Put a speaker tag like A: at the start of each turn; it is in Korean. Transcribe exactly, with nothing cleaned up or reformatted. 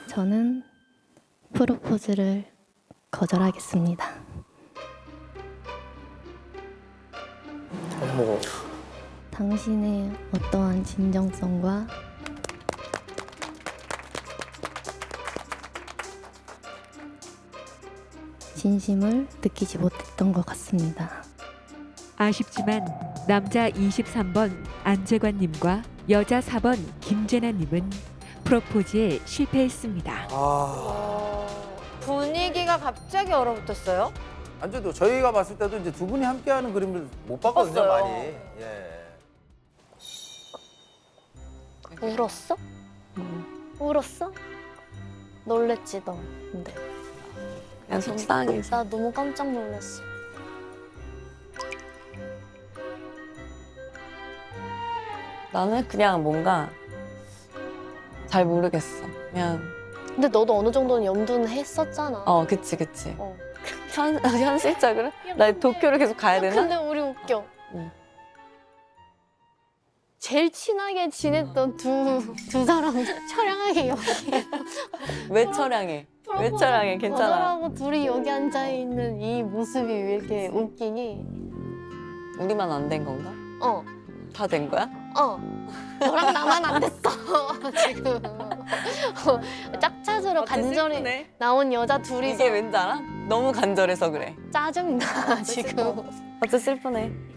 A: 저는 프로포즈를 거절하겠습니다.
B: 어머.
A: 당신의 어떠한 진정성과 진심을 느끼지 못했던 것 같습니다.
C: 아쉽지만 남자 이십삼 번 안재관님과 여자 사 번 김재나님은 프로포즈에 실패했습니다.
B: 아.
D: 분위기가 갑자기 얼어붙었어요.
B: 안 돼도 저희가 봤을 때도 이제 두 분이 함께하는 그림을 못 봤거든요,
D: 봤어요.
B: 많이. 예.
E: 울었어? 울었어? 놀랬지 너. 근데
F: 그냥 속상해서.
E: 나 너무 깜짝 놀랐어.
F: 나는 그냥 뭔가 잘 모르겠어. 그냥
E: 근데 너도 어느 정도는 염두는 했었잖아.
F: 어 그치 그치.
E: 어.
F: 현 현실적으로 나 도쿄를 계속 가야 되나?
E: 근데 우리 웃겨.
F: 응.
E: 제일 친하게 지냈던 두, 두 사람 처량하게 여기.
F: 왜 처량해? 왜 처량해? 괜찮아.
E: 거절하고 둘이 여기 앉아 있는 이 모습이 왜 이렇게 웃기니?
F: 우리만 안 된 건가?
E: 어,
F: 다 된 거야?
E: 어. 너랑 나만 안 됐어 지금. 어, 짝짓으로 간절히
F: 슬프네.
E: 나온 여자 둘이서
F: 이게 왠지 알아? 너무 간절해서 그래.
E: 짜증나 지금.
F: 어째 슬프네.